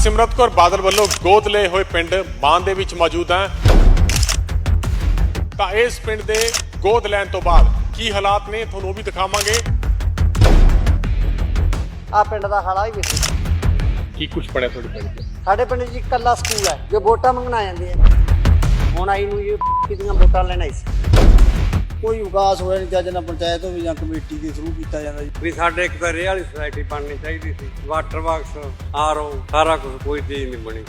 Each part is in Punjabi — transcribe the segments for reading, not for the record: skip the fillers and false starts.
ਹਰਸਿਮਰਤ ਕੌਰ ਬਾਦਲ ਵੱਲੋਂ ਗੋਦ ਲਏ ਹੋਏ ਪਿੰਡ ਮਾਨ ਦੇ ਵਿੱਚ ਮੌਜੂਦ ਹਾਂ ਤਾਂ ਇਸ ਪਿੰਡ ਦੇ ਗੋਦ ਲੈਣ ਤੋਂ ਬਾਅਦ ਕੀ ਹਾਲਾਤ ਨੇ ਤੁਹਾਨੂੰ ਉਹ ਵੀ ਦਿਖਾਵਾਂਗੇ। ਆ ਪਿੰਡ ਦਾ ਹਾਲਾ ਹੀ ਵੇਖੋ। ਕੀ ਕੁਝ ਪੜਿਆ ਤੁਹਾਡੇ ਪਿੰਡ 'ਚ? ਸਾਡੇ ਪਿੰਡ 'ਚ ਇਕੱਲਾ ਸਕੂਲ ਹੈ ਜੋ ਵੋਟਾਂ ਮੰਗਣ ਆ ਜਾਂਦੇ ਆ। ਹੁਣ ਆਈ ਨੂੰ ਇਹ ਕਿਤੀਆਂ ਵੋਟਾਂ ਲੈਣ ਆਈ ਸੀ। ਕੋਈ ਵਿਕਾਸ ਹੋਇਆ ਨਹੀਂ ਚੱਜ ਨਾਲ ਪੰਚਾਇਤ ਹੋਵੇ ਜਾਂ ਕਮੇਟੀ ਦੇ ਥਰੂ ਕੀਤਾ ਜਾਂਦਾ ਜੀ। ਵੀ ਸਾਡੇ ਇੱਕ ਤਾਂ ਰੇਹ ਵਾਲੀ ਸੁਸਾਇਟੀ ਬਣਨੀ ਚਾਹੀਦੀ ਸੀ, ਵਾਟਰ ਬਾਕਸ, ਆਰਓ, ਸਾਰਾ ਕੁਝ, ਕੋਈ ਚੀਜ਼ ਨਹੀਂ ਬਣੀ।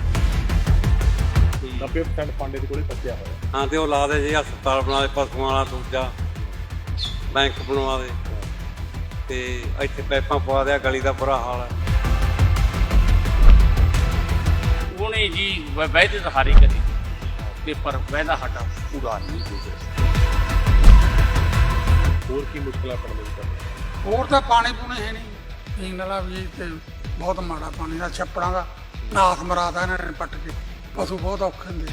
90% ਫੰਡ ਦੇ ਕੋਲੇ ਪੱਕਿਆ ਹੋਇਆ। ਹਾਂ ਤੇ ਉਹ ਲਾ ਦੇ ਜੀ ਹਸਪਤਾਲ ਬਣਾ ਦੇ, ਪਸ਼ੂਆਂ ਵਾਲਾ, ਦੂਜਾ ਬੈਂਕ ਬਣਵਾ ਦੇ ਤੇ ਇੱਥੇ ਪਾਈਪਾਂ ਪਵਾ ਦਿਆ, ਗਲੀ ਦਾ ਬੁਰਾ ਹਾਲ ਹੈ। ਉਹਨੇ ਜੀ ਵੈਦੇ ਤਾਂ ਹਾਰੀ ਕਰੀ ਤੇ ਪਰ ਵੈਦਾ ਸਾਡਾ ਪੂਰਾ ਨਹੀਂ ਹੋਇਆ। ਹੋਰ ਕੀ ਮੁਸ਼ਕਲਾਂ ਪੜਨ ਵਿੱਚ? ਹੋਰ ਤਾਂ ਪਾਣੀ ਪੂਣੀ ਹੈ ਨਹੀਂ, ਪੀਣ ਵਾਲਾ ਵੀ ਤੇ ਬਹੁਤ ਮਾੜਾ ਪਾਣੀ ਦਾ, ਛੱਪੜਾਂ ਦਾ ਨਾਥ ਮਰਾਦਾ ਇਹਨਾਂ ਨੇ ਪੱਟ ਕੇ। ਪਸ਼ੂ ਬਹੁਤ ਔਖੇ ਹੁੰਦੇ।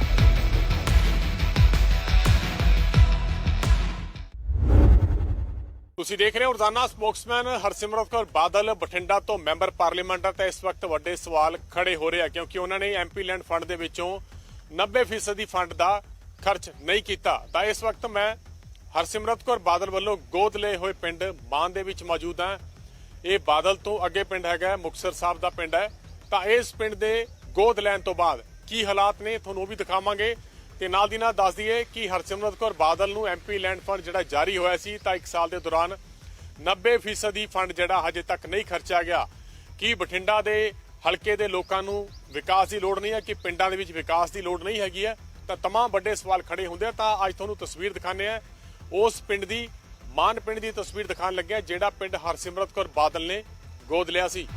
ਤੁਸੀਂ ਦੇਖ ਰਹੇ ਹੋ ਰੋਜ਼ਾਨਾ ਸਪੋਕਸਮੈਨ। ਹਰਸਿਮਰਤ ਕੌਰ ਬਾਦਲ ਬਠਿੰਡਾ ਤੋਂ ਮੈਂਬਰ ਪਾਰਲੀਮੈਂਟ ਤੇ ਇਸ ਵਕਤ ਵੱਡੇ ਸਵਾਲ ਖੜੇ ਹੋ ਰਹੇ ਆ ਕਿਉਂਕਿ ਉਹਨਾਂ ਨੇ ਐਮਪੀ ਲੈਂਡ ਫੰਡ ਦੇ ਵਿੱਚੋਂ 90% ਫੰਡ ਦਾ ਖਰਚ ਨਹੀਂ ਕੀਤਾ। ਤਾਂ ਇਸ ਵਕਤ ਮੈਂ ਹਰਸਿਮਰਤ ਕੌਰ ਬਾਦਲ ਵੱਲੋਂ ਗੋਦ ਲਏ ਹੋਏ ਪਿੰਡ ਮਾਨ ਦੇ ਵਿੱਚ ਮੌਜੂਦ ਹਾਂ। ਇਹ ਬਾਦਲ ਤੋਂ ਅੱਗੇ ਪਿੰਡ ਹੈਗਾ, ਮੁਕਤਸਰ ਸਾਹਿਬ ਦਾ ਪਿੰਡ ਹੈ। ਤਾਂ ਇਸ ਪਿੰਡ ਦੇ ਗੋਦ ਲੈਣ ਤੋਂ ਬਾਅਦ ਕੀ ਹਾਲਾਤ ਨੇ ਤੁਹਾਨੂੰ ਉਹ ਵੀ ਦਿਖਾਵਾਂਗੇ ਤੇ ਨਾਲ ਦੀ ਨਾਲ ਦੱਸ ਦਈਏ ਕਿ ਹਰਸਿਮਰਤ ਕੌਰ ਬਾਦਲ ਨੂੰ ਐਮਪੀ ਲੈਂਡ ਫੰਡ ਜਿਹੜਾ ਜਾਰੀ ਹੋਇਆ ਸੀ ਤਾਂ 1 ਸਾਲ ਦੇ ਦੌਰਾਨ 90% ਫੰਡ ਜਿਹੜਾ ਹਜੇ ਤੱਕ ਨਹੀਂ ਖਰਚਿਆ ਗਿਆ। ਕੀ ਬਠਿੰਡਾ ਦੇ ਹਲਕੇ ਦੇ ਲੋਕਾਂ ਨੂੰ ਵਿਕਾਸ ਦੀ ਲੋੜ ਨਹੀਂ ਹੈ, ਕਿ ਪਿੰਡਾਂ ਦੇ ਵਿੱਚ ਵਿਕਾਸ ਦੀ ਲੋੜ ਨਹੀਂ ਹੈਗੀ ਹੈ? ਤਾਂ ਤਮਾਮ ਵੱਡੇ ਸਵਾਲ ਖੜੇ ਹੁੰਦੇ ਆ। ਤਾਂ ਅੱਜ ਤੁਹਾਨੂੰ ਤਸਵੀਰ ਦਿਖਾਉਂਦੇ ਆ ਉਸ ਪਿੰਡ ਦੀ, ਮਾਨ ਪਿੰਡ ਦੀ ਤਸਵੀਰ ਦਿਖਾਉਣ ਲੱਗਿਆ ਜਿਹੜਾ ਪਿੰਡ ਹਰਸਿਮਰਤ ਕੌਰ ਬਾਦਲ ਨੇ ਗੋਦ ਲਿਆ ਸੀ।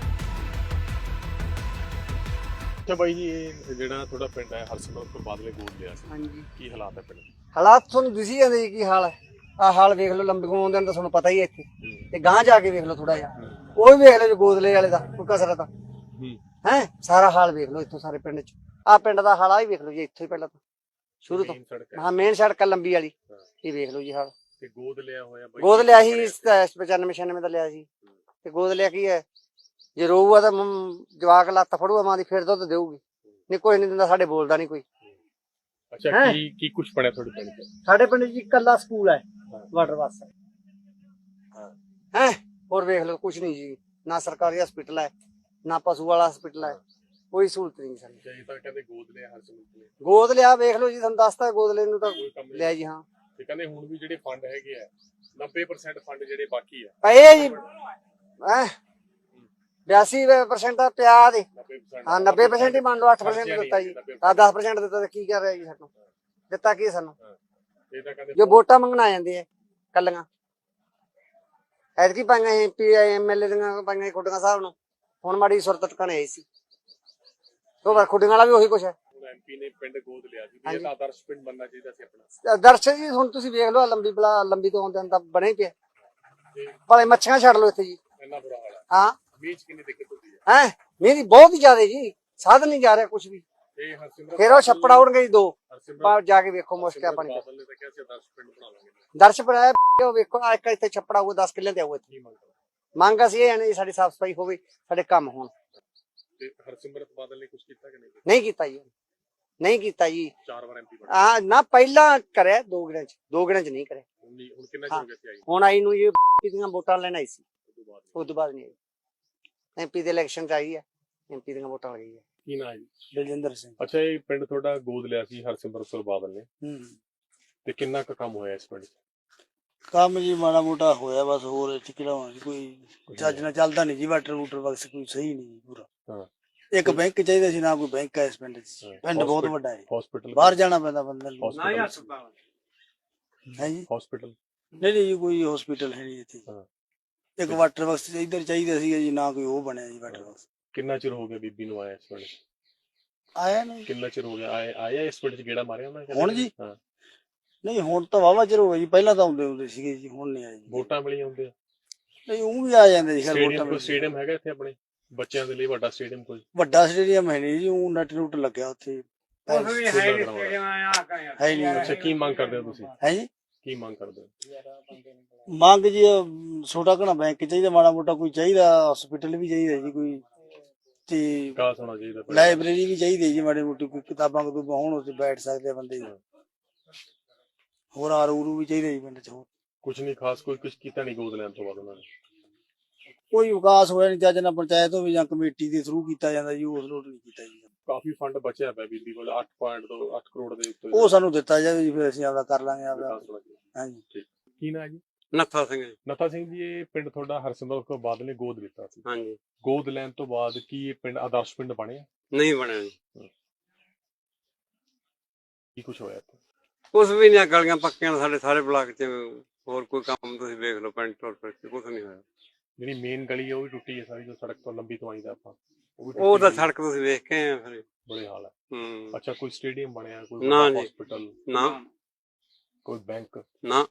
ਅੱਛਾ ਬਾਈ ਜੀ, ਇਹ ਜਿਹੜਾ ਤੁਹਾਡਾ ਪਿੰਡ ਹੈ ਹਰਸਿਮਰਤ ਕੌਰ ਬਾਦਲ ਨੇ ਗੋਦ ਲਿਆ ਸੀ, ਹਾਂਜੀ, ਕੀ ਹਾਲਾਤ ਹੈ ਪਿੰਡ ਦੇ? ਹਾਲਾਤ ਤੁਹਾਨੂੰ ਦਿਸੀ ਜਾਂਦੇ ਜੀ ਕੀ ਹਾਲ ਹੈ। ਆਹ ਹਾਲ ਵੇਖ ਲਓ, ਲੰਬੇ ਆਉਂਦੇ ਨੇ ਤਾਂ ਤੁਹਾਨੂੰ ਪਤਾ ਹੀ ਹੈ ਇੱਥੇ। ਤੇ ਗਾਂਹ ਜਾ ਕੇ ਵੇਖ ਲਓ ਥੋੜਾ ਜਿਹਾ, ਉਹ ਵੀ ਵੇਖ ਲਓ ਜੀ ਗੋਦਲੇ ਵਾਲੇ ਦਾ ਕੋਈ ਕਸਰਤ ਹੈ। ਸਾਰਾ ਹਾਲ ਵੇਖ ਲਓ ਇੱਥੋਂ, ਸਾਰੇ ਪਿੰਡ 'ਚ। ਆਹ ਪਿੰਡ ਦਾ ਹਾਲਾ ਹੀ ਵੇਖ ਲਓ ਜੀ, ਇੱਥੋਂ ਹੀ ਪਹਿਲਾਂ ਤੋਂ ਸ਼ੁਰੂ ਤੋਂ। ਹਾਂ, ਮੇਨ ਸੜਕ ਲੰਬੀ ਵਾਲੀ, ਇਹ ਵੇਖ ਲਓ ਜੀ ਹਾਲ। ਤੇ ਗੋਦ ਲਿਆ ਹੋਇਆ ਬਾਈ? ਗੋਦ ਲਿਆ ਸੀ 95-96 ਦਾ ਲਿਆ ਸੀ। ਤੇ ਗੋਦ ਲਿਆ ਕੀ ਹੈ, ਜੇ ਰੋਊਗਾ ਤਾਂ ਜਵਾਕ ਲੱਤ ਫੜੂਗਾ ਮਾਂ ਦੀ, ਫਿਰ ਦੁੱਧ ਦੇਊਗੀ, ਨਹੀਂ ਕੋਈ ਨਹੀਂ ਦਿੰਦਾ। ਸਾਡੇ ਬੋਲਦਾ ਨਹੀਂ ਕੋਈ। ਅੱਛਾ, ਕੀ ਕੁਝ ਪੜਿਆ ਤੁਹਾਡੇ ਪਿੰਡ 'ਚ? ਸਾਡੇ ਪਿੰਡ 'ਚ ਇਕੱਲਾ ਸਕੂਲ ਹੈ, ਵਾਟਰ ਬਾਕਸ ਹੈ। ਹੋਰ ਵੇਖ ਲਓ ਕੁਝ ਨਹੀਂ ਜੀ, ਨਾ ਸਰਕਾਰੀ ਹਸਪੀਟਲ ਹੈ, ਨਾ ਪਸ਼ੂ ਵਾਲਾ ਹਸਪੀਟਲ ਹੈ, ਕੋਈ ਸਹੂਲਤ ਨਹੀਂ ਸਾਨੂੰ। ਇਹ ਤਾਂ ਕਹਿੰਦੇ ਗੋਦ ਲਿਆ ਹਰਸਿਮਰਤ ਨੇ। ਗੋਦ ਲਿਆ, ਵੇਖ ਲਓ ਜੀ, ਤੁਹਾਨੂੰ ਦੱਸਤਾ ਗੋਦ ਲੈਣ ਨੂੰ ਤਾਂ ਲਿਆ ਜੀ। ਹਾਂ, ਤੇ ਕਹਿੰਦੇ ਹੁਣ ਵੀ ਜਿਹੜੇ ਫੰਡ ਹੈਗੇ ਆ 90% ਫੰਡ ਜਿਹੜੇ ਬਾਕੀ ਆ ਪਏ ਜੀ, 82% ਪਿਆ ਦੇ। 90%। ਹਾਂ, 90% ਹੀ ਮੰਨ ਲਓ, 8% ਦਿੱਤਾ ਜੀ। 10% ਦਿੱਤਾ ਤਾਂ ਕੀ ਕਰ ਰਿਹਾ ਜੀ ਸਾਨੂੰ? ਦਿੱਤਾ ਕੀ ਸਾਨੂੰ? ਇਹ ਤਾਂ ਕਹਿੰਦੇ ਜੋ ਵੋਟਾਂ ਮੰਗਣ ਆ ਜਾਂਦੇ ਆ ਕੱਲੀਆਂ। ਐਤਕੀ ਪਾਈਆਂ ਐਮਪੀ ਐਮਐਲਏ ਦੀਆਂ ਪਾਈਆਂ ਖੁੱਡੀਆਂ ਸਾਹਿਬ ਨੂੰ, ਹੁਣ ਮਾੜੀ ਸੁਰਤ ਟਿਕਾਣੇ ਆਈ ਸੀ। ਉਹ ਖੁੱਡੀਆਂ ਵਾਲਾ ਵੀ ਉਹੀ ਕੁਛ ਹੈ। ਐਮਪੀ ਨੇ ਪਿੰਡ ਗੋਦ ਲਿਆ ਸੀ, ਇਹ ਤਾਂ ਆਦਰਸ਼ ਪਿੰਡ ਬਣਨਾ ਚਾਹੀਦਾ ਸੀ ਆਪਣਾ। ਦਰਸ਼ਨ ਜੀ ਹੁਣ ਤੁਸੀਂ ਵੇਖ ਲਓ, ਲੰਬੀ ਤੋਂ ਆਉਂਦੇ ਤਾਂ ਬਣੇ ਪਿਆ। ਭਾਵੇਂ ਮੱਛੀਆਂ ਛੱਡ ਲਓ ਇੱਥੇ ਜੀ, ਇੰਨਾ ਬੁਰਾ ਹਾਲ ਹੈ। ਹਾਂ, ਮੀਂਹ 'ਚ ਕਿੰਨੀ ਦਿੱਕਤ ਹੁੰਦੀ ਹੈ? ਮੀਂਹ ਦੀ ਬਹੁਤ ਹੀ ਜ਼ਿਆਦਾ ਜੀ, ਸਾਧਨ ਨਹੀਂ ਜਾ ਰਿਹਾ ਕੁਛ ਵੀ। ਇਹ ਹਰਸਿਮਰਤ ਫਿਰ ਉਹ ਛੱਪੜ ਆਉਣਗੇ ਜੀ 2, ਹਰਸਿਮਰਤ ਜਾ ਕੇ ਵੇਖੋ ਮੁਸ਼ਕਿਲ ਪਾਣੀ। ਬਾਦਲ ਨੇ ਤਾਂ ਕਿਹਾ ਸੀ ਆਦਰਸ਼ ਪਿੰਡ ਬਣਾ ਲਾਂਗੇ। ਦਰਸ਼ ਪਰ ਆਇਆ, ਉਹ ਵੇਖੋ ਆ ਇੱਕ ਇੱਥੇ ਛੱਪੜ ਆਊਗਾ, 10 ਕਿੱਲੇ ਤੇ ਆਊਗਾ ਇੱਥੇ। ਮੰਗ ਅਸੀਂ ਇਹ ਨੇ ਸਾਡੀ ਸਾਫ਼ ਸਫਾਈ ਹੋਵੇ, ਸਾਡੇ ਕੰਮ ਹੋਣ। ਤੇ ਹਰਸਿਮਰਤ ਬਾਦਲ ਨੇ ਕੁਝ ਕੀਤਾ ਕਿ ਨਹੀਂ? ਨਹੀਂ ਕੀਤਾ ਜੀ, ਨਹੀਂ ਕੀਤਾ ਜੀ। 4 ਵਾਰ ਐਮਪੀ ਬਣਾ। ਨਾ ਪਹਿਲਾਂ ਕਰਿਆ 2 ਗਿਣਾਂ 'ਚ ਨਹੀਂ ਕਰਿਆ। ਹੁਣ ਕਿੰਨਾ ਚਿਰ ਹੋ ਗਿਆ ਸੀ ਆਈ? ਹੁਣ ਆਈ ਨੂੰ ਇਹ ਦੀਆਂ ਵੋਟਾਂ ਲੈਣ ਆਈ ਸੀ, ਉਸ ਤੋਂ ਬਾਅਦ ਨਹੀਂ ਆਈ। ਐਮਪੀ ਦੇ ਇਲੈਕਸ਼ਨ 'ਚ ਆਈ ਹੈ, ਐਮਪੀ ਦੀਆਂ ਵੋਟਾਂ ਲੱਗੀ ਹੈ। ਕੀ ਨਾਂ ਹੈ ਜੀ? ਬਲਜਿੰਦਰ ਸਿੰਘ। ਅੱਛਾ, ਇਹ ਪਿੰਡ ਤੁਹਾਡਾ ਗੋਦ ਲਿਆ ਸੀ ਹਰਸਿਮਰਤ ਕੌਰ ਬਾਦਲ ਨੇ, ਤੇ ਕਿੰਨਾ ਕੁ ਕੰਮ ਹੋਇਆ ਇਸ ਪਿੰਡ 'ਚ? ਕੰਮ ਜੀ ਮਾੜਾ ਮੋਟਾ ਹੋਇਆ ਬਸ, ਹੋਰ ਇੱਥੇ ਕਿਹੜਾ ਕੋਈ ਚੱਜ ਨਾਲ ਚੱਲਦਾ ਨਹੀਂ ਜੀ। ਵਾਟਰ ਬਾਕਸ ਕੋਈ ਸਹੀ ਨਹੀਂ ਪੂਰਾ। ਇੱਕ ਬੈਂਕ ਚਾਹੀਦਾ ਸੀ, ਨਾ ਕੋਈ ਬੈਂਕ ਹੈ ਇਸ ਪਿੰਡ 'ਚ। ਪਿੰਡ ਬਹੁਤ ਵੱਡਾ ਹੈ, ਹਸਪੀਟਲ ਬਾਹਰ ਜਾਣਾ ਪੈਂਦਾ ਬੰਦੇ ਨੂੰ। ਨਾ ਹਸਪਤਾਲ ਹੈ ਜੀ, ਹਸਪੀਟਲ ਨਹੀਂ ਜੀ, ਕੋਈ ਹਸਪੀਟਲ ਹੈ ਨਹੀਂ ਇੱਥੇ। ਇੱਕ ਵਾਟਰ ਬਾਕਸ ਇੱਧਰ ਚਾਹੀਦਾ ਸੀਗਾ ਜੀ, ਨਾ ਕੋਈ ਉਹ ਬਣਿਆ ਜੀ ਵਾਟਰ ਬਾਕਸ। ਕਿੰਨਾ ਚਿਰ ਹੋ ਗਿਆ ਬੀਬੀ ਨੂੰ ਆਇਆ ਇਸ ਪਿੰਡ? ਆਇਆ ਨਹੀਂ, ਕਿੰਨਾ ਚਿਰ ਹੋ ਗਿਆ ਆਇਆ ਇਸ ਪਿੰਡ 'ਚ ਗੇੜਾ ਮਾਰਿਆ ਉਹਨਾਂ ਨੇ? ਹੁਣ ਜੀ? ਹਾਂ, ਨਹੀਂ ਹੁਣ ਤਾਂ ਵਾਹਵਾ ਚਿਰ ਹੋ ਗਿਆ ਜੀ, ਪਹਿਲਾਂ ਤਾਂ ਆਉਂਦੇ ਹੁੰਦੇ ਸੀਗੇ ਜੀ, ਹੁਣ ਨਹੀਂ ਆਏ ਜੀ। ਵੋਟਾਂ ਵੇਲੇ ਆਉਂਦੇ ਆ? ਨਹੀਂ, ਉਹ ਵੀ ਆ ਜਾਂਦੇ ਜੀ। ਸਟੇਡੀਅਮ ਹੈਗਾ ਇੱਥੇ ਆਪਣੇ ਬੱਚਿਆਂ ਦੇ ਲਈ ਵੱਡਾ ਸਟੇਡੀਅਮ? ਕੋਈ ਵੱਡਾ ਸਟੇਡੀਅਮ ਹੈ ਨਹੀਂ ਜੀ, ਉਹ ਨੱਟ ਨੂਟ ਲੱਗਿਆ ਉੱਥੇ ਉਸ ਵੀ ਹੈ ਨਹੀਂ ਸਟੇਡੀਅਮ ਆ ਕਰਿਆ ਹੈ ਨਹੀਂ। ਅੱਛਾ, ਕੀ ਮੰਗ ਕਰਦੇ ਹੋ ਤੁਸੀਂ? ਹੈ ਜੀ, ਕੀ ਮੰਗ ਕਰਦੇ ਹੋ? ਮੰਗ ਜੀ ਛੋਟਾ ਘਣਾ ਬੈਂਕ ਚਾਹੀਦਾ, ਮਾੜਾ ਮੋਟਾ ਕੋਈ ਚਾਹੀਦਾ, ਹਸਪੀਟਲ ਵੀ ਚਾਹੀਦਾ ਜੀ, ਕੋਈ ਤੇ ਵਿਕਾਸ ਹੋਣਾ ਚਾਹੀਦਾ ਪਿੰਡ ਦਾ। ਲਾਇਬ੍ਰੇਰੀ ਵੀ ਚਾਹੀਦੀ ਹੈ ਜੀ, ਮਾੜੀ ਮੋਟੀ ਕੋਈ ਕਿਤਾਬਾਂ ਕਤੂਬਾਂ ਹੋਣ ਉੱਥੇ ਬੈਠ ਸਕਦੇ ਆ ਬੰਦੇ। ਹੋਰ ਆਰੂ ਵੀ ਚਾਹੀਦੇ ਜੀ ਪਿੰਡ ਚ। ਹੋਰ ਕੁਝ ਨਹੀਂ ਖਾਸ, ਕੋਈ ਕੁਝ ਕੀਤਾ ਨਹੀਂ ਗੋਦ ਲੈਣ ਤੋਂ ਬਾਅਦ ਉਹਨਾਂ ਨੇ। ਕੋਈ ਵਿਕਾਸ ਹੋਇਆ ਨਹੀਂ ਚੱਜ ਨਾਲ, ਪੰਚਾਇਤ ਤੋਂ ਵੀ ਜਾਂ ਕਮੇਟੀ ਦੇ ਥਰੂ ਕੀਤਾ ਜਾਂਦਾ ਜੀ, ਉਸ ਲੋਟ ਨਹੀਂ ਕੀਤਾ ਜੀ। ਕਾਫੀ ਫੰਡ ਬਚਿਆ ਪਿਆ ਬੀਬੀ ਕੋਲ 8 ਕਰੋੜ ਦੇ ਉੱਤੇ। ਉਹ ਸਾਨੂੰ ਦਿੱਤਾ ਜਾਵੇ ਜੀ, ਫਿਰ ਅਸੀਂ ਆਪਦਾ ਕਰ ਲਾਂਗੇ ਆਪਦਾ। ਵਿਕਾਸ ਹੋਣਾ ਚਾਹੀਦਾ। ਹਾਂਜੀ। ਠੀਕ। ਕੀ ਨਾਂ ਹੈ ਜੀ? ਨੱਥਾ ਸਿੰਘ ਜੀ। ਨਤਾ ਸਿੰਘ ਜੀ, ਇਹ ਪਿੰਡ ਤੁਹਾਡਾ ਹਰਸਿਮਰਤ ਕੌਰ ਬਾਦਲ ਨੇ ਗੋਦ ਲਿੱਤਾ ਸੀ। ਹਾਂਜੀ। ਗੋਦ ਲੈਣ ਤੋਂ ਬਾਅਦ ਕੀ ਇਹ ਪਿੰਡ ਆਦਰਸ਼ ਪਿੰਡ ਬਣਿਆ? ਨਹੀਂ ਬਣਿਆ ਜੀ। ਕੀ ਕੁਝ ਹੋਇਆ ਇੱਥੇ? ਕੁਛ ਵੀ ਨਹੀਂ, ਗਲੀਆਂ ਪੱਕੀਆਂ ਸਾਡੇ ਸਾਰੇ ਬਲਾਕ ਚ। ਹੋਰ ਕੋਈ ਕੰਮ ਤੁਸੀਂ ਵੇਖ ਲਓ ਪਿੰਡ ਤੋਂ, ਕੁਛ ਨਹੀਂ ਹੋਇਆ। ਜਿਹੜੀ ਮੇਨ ਗਲੀ ਹੈ ਉਹ ਵੀ ਟੁੱਟੀ ਹੈ ਸਾਰੀ, ਜੋ ਸੜਕ ਤੋਂ ਲੰਬੀ ਤੋਂ ਆਈਦਾ ਆਪਾਂ, ਉਹ ਵੀ ਉਹ ਤਾਂ ਟੁੱਟੀ ਸੜਕ ਤੁਸੀਂ ਵੇਖ ਕੇ ਆਏ ਆ ਫਿਰ। ਬੁਰੇ ਹਾਲ ਹੈ। ਹੂੰ। ਅੱਛਾ, ਕੋਈ ਸਟੇਡੀਅਮ ਬਣਿਆ, ਕੋਈ ਨਾ ਜੀ। ਹਸਪੀਟਲ, ਨਾ ਕੋਈ ਬੈਂਕ? ਨਾ।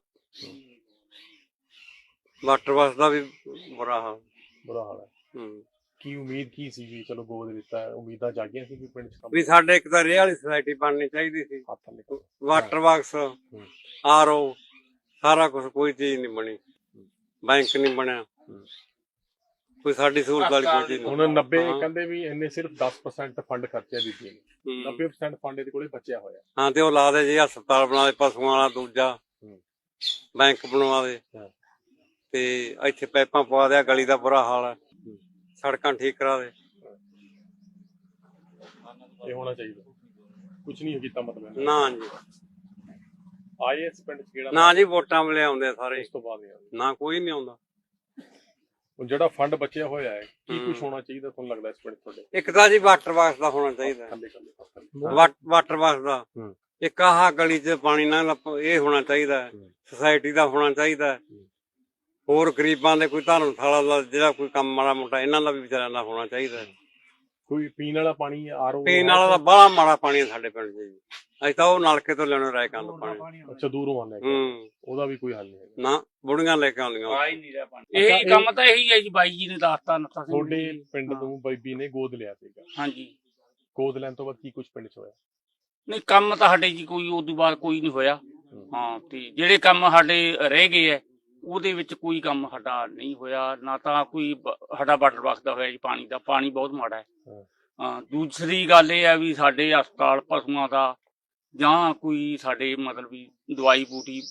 ਵਾਟਰ ਬੱਸ ਦਾ ਵੀ ਬੁਰਾ ਹਾਲ। ਬੁਰਾ ਹਾਲ ਹੈ। ਹੂੰ। ਕੀ ਉਮੀਦ ਕੀ ਸੀ ਵੀ ਚਲੋ ਗੋਦ ਦਿੱਤਾ ਹੈ, ਉਮੀਦਾਂ ਜਾਗੀਆਂ ਸੀ ਵੀ ਪਿੰਡ ਚ ਕੰਮ ਵੀ ਸਾਡੇ ਇੱਕ ਤਾਂ ਰੇਹ ਵਾਲੀ ਸੁਸਾਇਟੀ ਬਣਨੀ ਚਾਹੀਦੀ ਸੀ, ਹੱਥ ਨਿਕਲ। ਵਾਟਰ ਬਾਕਸ, ਆਰਓ, ਸਾਰਾ ਕੁਝ, ਕੋਈ ਚੀਜ਼ ਨਹੀਂ ਬਣੀ। ਬੈਂਕ ਨਹੀਂ ਬਣਿਆ, ਕੋਈ ਸਾਡੀ ਸਹੂਲਤ ਵਾਲੀ ਕੋਈ ਚੀਜ਼ ਹੁਣ ਨਹੀਂ। 90 ਕਹਿੰਦੇ ਵੀ ਇੰਨੇ ਸਿਰਫ 10% ਫੰਡ ਖਰਚਿਆ ਬੀਬੀ ਨੇ, 90% ਫੰਡ ਇਹਦੇ ਕੋਲੇ ਬਚਿਆ ਹੋਇਆ। ਹਾਂ, ਤੇ ਉਹ ਲਾ ਦੇ ਜੀ ਹਸਪਤਾਲ ਬਣਾ ਦੇ ਪਸ਼ੂਆਂ ਵਾਲਾ, ਦੂਜਾ ਬੈਂਕ ਬਣਵਾ ਦੇ, ਤੇ ਇੱਥੇ ਪਾਈਪਾਂ ਪਵਾ ਦਿਆ, ਗਲੀ ਦਾ ਬੁਰਾ ਹਾਲ ਹੈ, ਸੜਕਾਂ ਠੀਕ ਕਰਾ ਦੇ। ਇਹ ਹੋਣਾ ਚਾਹੀਦਾ। ਕੁਝ ਨਹੀਂ ਕੀਤਾ ਮਤਲਬ। ਨਾ ਜੀ, ਆਏ ਇਸ ਪਿੰਡ ਚ ਕਿਹੜਾ? ਨਾ ਜੀ, ਵੋਟਾਂ ਵੇਲੇ ਆਉਂਦੇ ਆ ਸਾਰੇ, ਉਸ ਤੋਂ ਬਾਅਦ ਨਹੀਂ ਆਉਂਦੇ। ਨਾ ਕੋਈ ਨਹੀਂ ਆਉਂਦਾ। ਹੁਣ ਜਿਹੜਾ ਫੰਡ ਬਚਿਆ ਹੋਇਆ ਹੈ, ਕੀ ਕੁਝ ਹੋਣਾ ਚਾਹੀਦਾ ਤੁਹਾਨੂੰ ਲੱਗਦਾ ਇਸ ਪਿੰਡ ਤੁਹਾਡੇ? ਇੱਕ ਤਾਂ ਜੀ ਵਾਟਰ ਬਾਕਸ ਦਾ ਹੋਣਾ ਚਾਹੀਦਾ, ਵਾਟਰ ਬਾਕਸ ਦਾ। ਇੱਕ ਆਹ ਗਲੀ 'ਚ ਪਾਣੀ ਨਾ ਇਹ ਹੋਣਾ ਚਾਹੀਦਾ, ਸੁਸਾਇਟੀ ਦਾ ਹੋਣਾ ਚਾਹੀਦਾ। ਹੋਰ ਗਰੀਬਾਂ ਦੇ ਕੋਈ ਧਰਮਸ਼ਾਲਾ ਦਾ ਜਿਹੜਾ ਕੋਈ ਕੰਮ ਮਾੜਾ ਮੋਟਾ ਇਹਨਾਂ ਦਾ ਵੀ ਵਿਚਾਰਿਆਂ ਦਾ ਹੋਣਾ ਚਾਹੀਦਾ। ਕੋਈ ਪੀਣ ਵਾਲਾ ਪਾਣੀ, ਆਰਓ? ਪੀਣ ਵਾਲਾ ਤਾਂ ਬੜਾ ਮਾੜਾ ਪਾਣੀ ਸਾਡੇ ਪਿੰਡ 'ਚ ਜੀ। ਅਸੀਂ ਤਾਂ ਉਹ ਨਲਕੇ ਤੋਂ ਲੈਣੇ ਰਾਇ ਕੰਨ ਪਾਣੀ। ਅੱਛਾ, ਦੂਰੋਂ ਆਉਂਦਾ? ਉਹਦਾ ਵੀ ਕੋਈ ਹੱਲ ਨਹੀਂ ਹੈ? ਨਾ, ਬੁੜੀਆਂ ਲੈ ਕੇ ਆਉਂਦੀਆਂ। ਆ ਹੀ ਨਹੀਂ ਰਿਹਾ ਪਾਣੀ। ਇਹੀ ਕੰਮ ਤਾਂ ਇਹੀ ਹੈ ਜੀ, ਬਾਈ ਜੀ ਨੇ ਦੱਸਤਾ ਨੱਥਾ ਸਿੰਘ ਤੁਹਾਡੇ ਪਿੰਡ ਨੂੰ ਬੀਬੀ ਨੇ ਗੋਦ ਲਿਆ ਸੀਗਾ। ਹਾਂਜੀ। ਗੋਦ ਲੈਣ ਤੋਂ ਬਾਅਦ ਕੀ ਕੁਝ ਪਿੰਡ ਚ ਹੋਇਆ? ਨਹੀਂ, ਕੰਮ ਤਾਂ ਸਾਡੇ ਜੀ ਕੋਈ ਉਸ ਤੋਂ ਬਾਅਦ ਕੋਈ ਨਹੀਂ ਹੋਇਆ। ਹਾਂ, ਤੇ ਜਿਹੜੇ ਕੰਮ ਸਾਡੇ ਰਹਿ ਗਏ ਹੈ ਉਹਦੇ ਵਿੱਚ ਕੋਈ ਕੰਮ ਸਾਡਾ ਨਹੀਂ ਹੋਇਆ। ਨਾ ਤਾਂ ਕੋਈ ਸਾਡਾ ਵਾਟਰ ਬਾਕਸ ਦਾ ਹੋਇਆ ਜੀ, ਪਾਣੀ ਦਾ, ਪਾਣੀ ਬਹੁਤ ਮਾੜਾ ਹੈ। ਹਾਂ, ਦੂਸਰੀ ਗੱਲ ਇਹ ਹੈ ਵੀ ਸਾਡੇ ਹਸਪਤਾਲ ਪਸ਼ੂਆਂ ਦਾ ਜਾਂ ਕੋਈ ਸਾਡੇ ਮਤਲਬ ਵੀ ਦਵਾਈ ਬੂਟੀ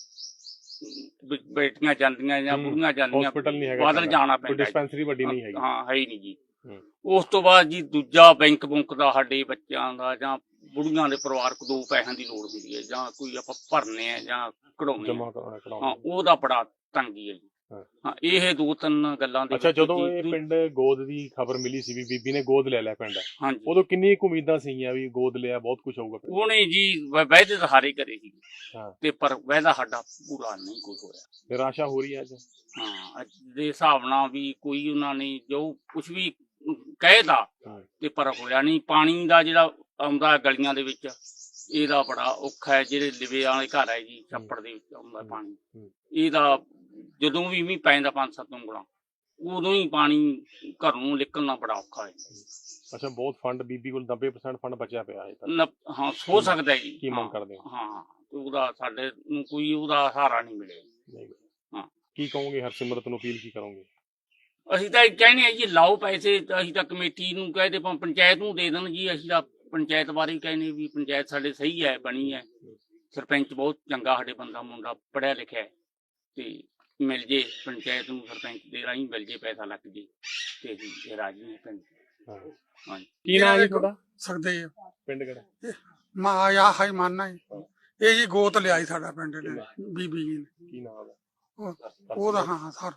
ਬੇਟੀਆਂ ਜਾਂਦੀਆਂ ਜਾਂ ਬੁੜੀਆਂ ਜਾਂਦੀਆਂ, ਹਸਪੀਟਲ ਨਹੀਂ ਹੈਗਾ, ਬਾਦਲ ਜਾਣਾ ਕੋਈ ਪੈਂਦਾ। ਡਿਸਪੈਂਸਰੀ ਵੱਡੀ ਨਹੀਂ ਹੈਗੀ। ਹਾਂ, ਹੈ ਹੀ ਨਹੀਂ ਜੀ। ਉਸ ਤੋਂ ਬਾਅਦ ਜੀ ਦੂਜਾ ਬੈਂਕ ਬੁੰਕ ਦਾ ਸਾਡੇ ਬੱਚਿਆਂ ਦਾ ਜਾਂ ਬੁੜੀਆਂ ਦੇ ਪਰਿਵਾਰਕ ਦੋ ਪੈਸਿਆਂ ਦੀ ਲੋੜ ਹੁੰਦੀ ਹੈ, ਜਾਂ ਕੋਈ ਆਪਾਂ ਭਰਨੇ ਆ ਜਾਂ ਕਢਾਉਣੇ ਆ, ਹਾਂ, ਉਹਦਾ ਬੜਾ ਤੰਗੀ ਹੈ ਜੀ। ਹਾਂ, ਇਹ ਦੋ ਤਿੰਨ ਗੱਲਾਂ ਦੇ। ਅੱਛਾ, ਜਦੋਂ ਇਹ ਪਿੰਡ ਗੋਦ ਦੀ ਖਬਰ ਮਿਲੀ ਸੀ ਵੀ ਬੀਬੀ ਨੇ ਗੋਦ ਲੈ ਲਿਆ ਪਿੰਡ, ਹਾਂਜੀ, ਉਦੋਂ ਕਿੰਨੀ ਕੁ ਉਮੀਦਾਂ ਸੀਗੀਆਂ ਵੀ ਗੋਦ ਲਿਆ ਬਹੁਤ ਕੁਝ ਹੋਊਗਾ? ਉਹਨੇ ਜੀ ਵਾਅਦੇ ਤਾਂ ਹਾਰੇ ਕਰੇ ਸੀ, ਹਾਂ, ਤੇ ਪਰ ਵਾਅਦਾ ਸਾਡਾ ਪੂਰਾ ਨਹੀਂ ਕੋਈ ਹੋਇਆ। ਨਿਰਾਸ਼ਾ ਹੋ ਰਹੀ ਹੈ ਅੱਜ? ਹਾਂ, ਅੱਜ ਦੇ ਹਿਸਾਬ ਨਾਲ ਵੀ ਕੋਈ ਉਹਨਾਂ ਨੇ ਜੋ ਕੁਝ ਵੀ ਕਹਿਦਾ ਤੇ ਪਰ ਹੋਇਆ ਨਹੀਂ। ਪਾਣੀ ਦਾ ਜਿਹੜਾ ਆਉਂਦਾ ਗਲੀਆਂ ਦੇ ਵਿੱਚ, ਇਹਦਾ ਬੜਾ ਔਖਾ ਹੈ। ਜਿਹੜੇ ਲਿਵੇ ਵਾਲੇ ਘਰ ਹੈ ਜੀ, ਛੱਪੜ ਦੇ ਵਿੱਚ ਆਉਂਦਾ ਪਾਣੀ, ਇਹਦਾ ਜਦੋਂ ਵੀ ਮੀਂਹ ਪੈਂਦਾ 5-7 ਉਂਗਲਾਂ, ਉਦੋਂ ਹੀ ਪਾਣੀ ਘਰੋਂ ਨਿਕਲਣਾ ਬੜਾ ਔਖਾ ਹੈ। ਅੱਛਾ, ਬਹੁਤ ਫੰਡ ਬੀਬੀ ਕੋਲ 90% ਫੰਡ ਬਚਿਆ ਪਿਆ ਹੈ। ਹਾਂ, ਹੋ ਸਕਦਾ ਜੀ। ਕੀ ਮੰਗ ਕਰਦੇ ਹੋ? ਹਾਂ, ਉਹਦਾ ਸਾਡੇ ਨੂੰ ਕੋਈ ਉਹਦਾ ਸਹਾਰਾ ਨਹੀਂ ਮਿਲਿਆ। ਹਾਂ, ਕੀ ਕਹੋਗੇ? ਹਰਸਿਮਰਤ ਨੂੰ ਅਪੀਲ ਕੀ ਕਰੋਗੇ? ਅਸੀਂ ਤਾਂ ਕਹਿੰਦੇ ਹਾਂ ਜੀ, ਲਾਓ ਪੈਸੇ। ਅਸੀਂ ਤਾਂ ਕਮੇਟੀ ਨੂੰ ਕਹਦੇ, ਪੰਚਾਇਤ ਨੂੰ ਦੇ ਦੇਣ ਜੀ। ਅਸੀਂ ਤਾਂ ਪੰਚਾਇਤ ਬਾਰੇ ਕਹਿੰਦੇ ਵੀ ਪੰਚਾਇਤ ਸਾਡੇ ਸਹੀ ਹੈ, ਬਣੀ ਹੈ। ਸਰਪੰਚ ਬਹੁਤ ਚੰਗਾ ਸਾਡੇ ਬੰਦਾ, ਮੁੰਡਾ ਪੜ੍ਹਿਆ ਲਿਖਿਆ ਹੈ, ਤੇ ਮਿਲ ਜੇ ਪੰਚਾਇਤ ਨੂੰ, ਸਰਪੰਚ ਦੇ ਰਾਹੀਂ ਮਿਲ ਜੇ, ਪੈਸਾ ਲੱਗ ਜੇ, ਤੇ ਅਸੀਂ ਰਾਜੀ ਹਾਂ ਪਿੰਡ। ਹਾਂਜੀ। ਕੀ ਨਾਮ ਹੈ ਤੁਹਾਡਾ? ਸਕਦੇ ਪਿੰਡ ਕਿਹੜਾ? ਮਾ ਆ ਹਾਈ ਮਾਨਣਾ ਇਹ ਜੀ ਗੋਤ ਲਿਆਈ ਸਾਡਾ ਪਿੰਡ ਨੇ ਬੀਬੀ ਜੀ ਨੇ। ਕੀ ਨਾਮ ਹੈ ਉਹਦਾ? ਹਾਂ ਸਰ।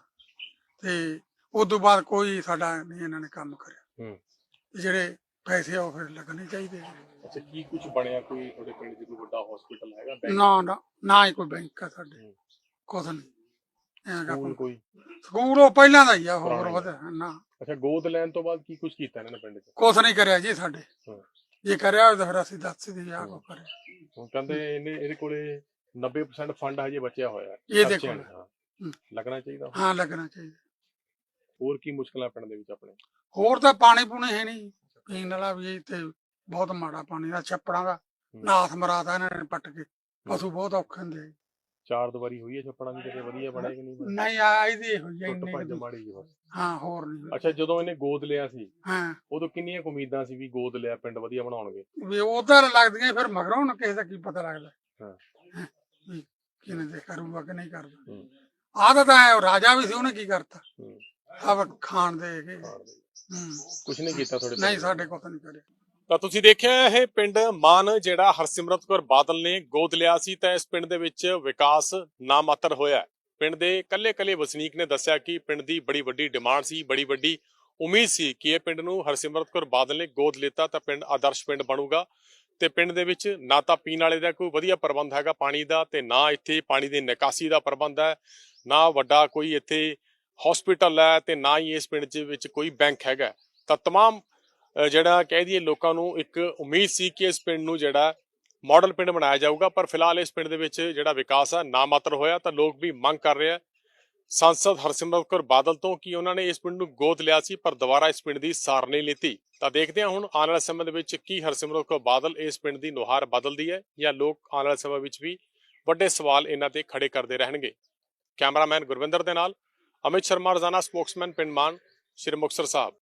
ਤੇ ਉਸ ਤੋਂ ਬਾਅਦ ਕੋਈ ਸਾਡਾ ਨਹੀਂ ਇਹਨਾਂ ਨੇ ਕੰਮ ਕਰਿਆ। ਜਿਹੜੇ ਪੈਸੇ ਆ ਉਹ ਫਿਰ ਲੱਗਣੇ ਚਾਹੀਦੇ। ਅੱਛਾ, ਕੀ ਕੁਝ ਬਣਿਆ? ਕੋਈ ਤੁਹਾਡੇ ਪਿੰਡ 'ਚ ਕੋਈ ਵੱਡਾ ਹਸਪੀਟਲ ਹੈਗਾ? ਨਾ ਹੀ ਕੋਈ ਬੈਂਕ ਆ ਸਾਡੇ, ਕੁਛ ਨਹੀਂ। ਕੋਈ ਸਕੂਲ ਉਹ ਪਹਿਲਾਂ ਦਾ ਹੀ ਆ, ਹੋਰ ਵਧਿਆ ਨਾ। ਅੱਛਾ, ਗੋਦ ਲੈਣ ਤੋਂ ਬਾਅਦ ਕੀ ਕੁਝ ਕੀਤਾ ਇਹਨਾਂ ਨੇ ਪਿੰਡ 'ਚ? ਕੁਛ ਨਹੀਂ ਕਰਿਆ ਜੀ ਸਾਡੇ। ਜੇ ਕਰਿਆ ਹੋਇਆ ਤਾਂ ਫਿਰ ਅਸੀਂ ਦੱਸ ਦੀ ਆ ਕੋ ਕਰਿਆ। ਹੁਣ ਕਹਿੰਦੇ ਇਹਦੇ ਕੋਲੇ 90% ਫੰਡ ਹਜੇ ਬਚਿਆ ਹੋਇਆ। ਇਹ ਦੇਖੋ, ਲੱਗਣਾ ਚਾਹੀਦਾ। ਹਾਂ, ਲੱਗਣਾ ਚਾਹੀਦਾ। ਹੋਰ ਕੀ ਮੁਸ਼ਕਲਾਂ ਪਿੰਡ ਦੇ ਵਿੱਚ ਆਪਣੇ? ਹੋਰ ਤਾਂ ਪਾਣੀ ਪੂਣੀ ਹੈ ਨਹੀਂ, ਪੀਣ ਵਾਲਾ ਵੀ ਤੇ ਬਹੁਤ ਮਾੜਾ ਪਾਣੀ ਦਾ, ਛੱਪੜਾਂ ਦਾ ਨਾਥ ਮਰਾਤਾ ਇਹਨਾਂ ਨੇ ਪੱਟ ਕੇ। ਪਸ਼ੂ ਬਹੁਤ ਔਖੇ ਹੁੰਦੇ। ਚਾਰ ਦੀਵਾਰੀ ਹੋਈ ਹੈ ਛੱਪੜਾਂ ਦੀ ਕਿਤੇ ਵਧੀਆ ਬਣਿਆ ਕਿ ਨਹੀਂ ਬਣਿਆ? ਨਹੀਂ ਆ ਇਹਦੀ ਹੋਈ ਆ ਟੁੱਟ ਇੰਨੀ ਭੱਜ ਕੁ। ਮਾੜੀ ਜੀ ਬਸ। ਹਾਂ ਹੋਰ ਨਹੀਂ। ਅੱਛਾ, ਜਦੋਂ ਇਹਨੇ ਗੋਦ ਲਿਆ ਸੀ ਹਾਂ ਉਦੋਂ ਕਿੰਨੀਆਂ ਕੁ ਉਮੀਦਾਂ ਸੀ ਵੀ ਗੋਦ ਲਿਆ ਪਿੰਡ ਵਧੀਆ ਬਣਾਉਣਗੇ? ਵੀ ਉਧਰ ਲੱਗਦੀਆਂ ਫਿਰ ਮਗਰੋਂ ਹੁਣ ਕਿਸੇ ਦਾ ਕੀ ਪਤਾ ਲੱਗਦਾ ਹਾਂ। ਹੈਂ, ਵੀ ਕਿਹਨੇ ਦੇ ਕਰੂਗਾ ਕਿ ਨਹੀਂ ਕਰਦਾ। ਹੂੰ। ਆਹ ਤਾਂ ਐਂ ਰਾਜਾ ਵੀ ਸੀ, ਉਹਨੇ ਕੀ ਕਰਤਾ? ਹੂੰ। ਆਹ ਖਾਣ ਦੇ ਕੇ ਕੁਛ ਨਹੀਂ ਕੀਤਾ ਤੁਹਾਡੇ ਨਹੀਂ ਸਾਡੇ ਕੋਲ ਤਾਂ ਨਹੀਂ ਕਰਿਆ। ਤਾਂ ਤੁਸੀਂ ਦੇਖਿਆ ਇਹ ਪਿੰਡ ਮਾਨ ਜਿਹੜਾ ਹਰਸਿਮਰਤ ਕੌਰ ਬਾਦਲ ਨੇ ਗੋਦ ਲਿਆ ਸੀ ਤਾਂ ਇਸ ਪਿੰਡ ਦੇ ਵਿੱਚ ਵਿਕਾਸ ਨਾ ਮਾਤਰ ਹੋਇਆ। ਪਿੰਡ ਦੇ ਕੱਲੇ ਵਸਨੀਕ ਨੇ ਦੱਸਿਆ ਕਿ ਪਿੰਡ ਦੀ ਬੜੀ ਵੱਡੀ ਡਿਮਾਂਡ ਸੀ, ਬੜੀ ਵੱਡੀ ਉਮੀਦ ਸੀ ਕਿ ਇਹ ਪਿੰਡ ਨੂੰ ਹਰਸਿਮਰਤ ਕੌਰ ਬਾਦਲ ਨੇ ਗੋਦ ਲਿੱਤਾ ਤਾਂ ਪਿੰਡ ਆਦਰਸ਼ ਪਿੰਡ ਬਣੂਗਾ ਤੇ ਪਿੰਡ ਦੇ ਵਿੱਚ ਨਾ ਤਾਂ ਪੀਣ ਵਾਲੇ ਦਾ ਕੋਈ ਵਧੀਆ ਪ੍ਰਬੰਧ ਹੈਗਾ ਪਾਣੀ ਦਾ, ਤੇ ਨਾ ਇੱਥੇ ਪਾਣੀ ਦੀ ਨਿਕਾਸੀ ਦਾ ਪ੍ਰਬੰਧ ਹੈ, ਨਾ ਵੱਡਾ ਕੋਈ ਇੱਥੇ ਹਸਪੀਟਲ ਹੈ, ਤੇ ਨਾ ਹੀ ਇਸ ਪਿੰਡ ਵਿੱਚ ਕੋਈ ਬੈਂਕ ਹੈਗਾ। ਤਾਂ तमाम ਜਿਹੜਾ ਕਹਿ ਦਈਏ ਲੋਕਾਂ ਨੂੰ ਇੱਕ ਉਮੀਦ ਸੀ ਕਿ ਇਸ ਪਿੰਡ ਨੂੰ ਜਿਹੜਾ ਮਾਡਲ ਪਿੰਡ ਬਣਾਇਆ ਜਾਊਗਾ, ਪਰ ਫਿਲਹਾਲ ਇਸ ਪਿੰਡ ਦੇ ਵਿੱਚ ਜਿਹੜਾ ਵਿਕਾਸ ਹੈ ਨਾ ਮਾਤਰ ਹੋਇਆ। ਤਾਂ ਲੋਕ ਵੀ ਮੰਗ ਕਰ ਰਹੇ ਆ सांसद हरसिमरत कौर बादल तो कि उन्होंने इस पिंड नूं गोद लिया सी पर दोबारा इस पिंड की सार नहीं लीती। तो देखते हैं हुण आने वाले समय दे विच की हरसिमरत कौर बादल इस पिंड की नुहार बदलती है या लोग आने वाले समय विच भी वड्डे सवाल इन्हां ते खड़े करते रहणगे। कैमरामैन गुरविंदर दे नाल अमित शर्मा, रोजाना स्पोक्समैन पिंड मान, श्री मुक्तसर साहब।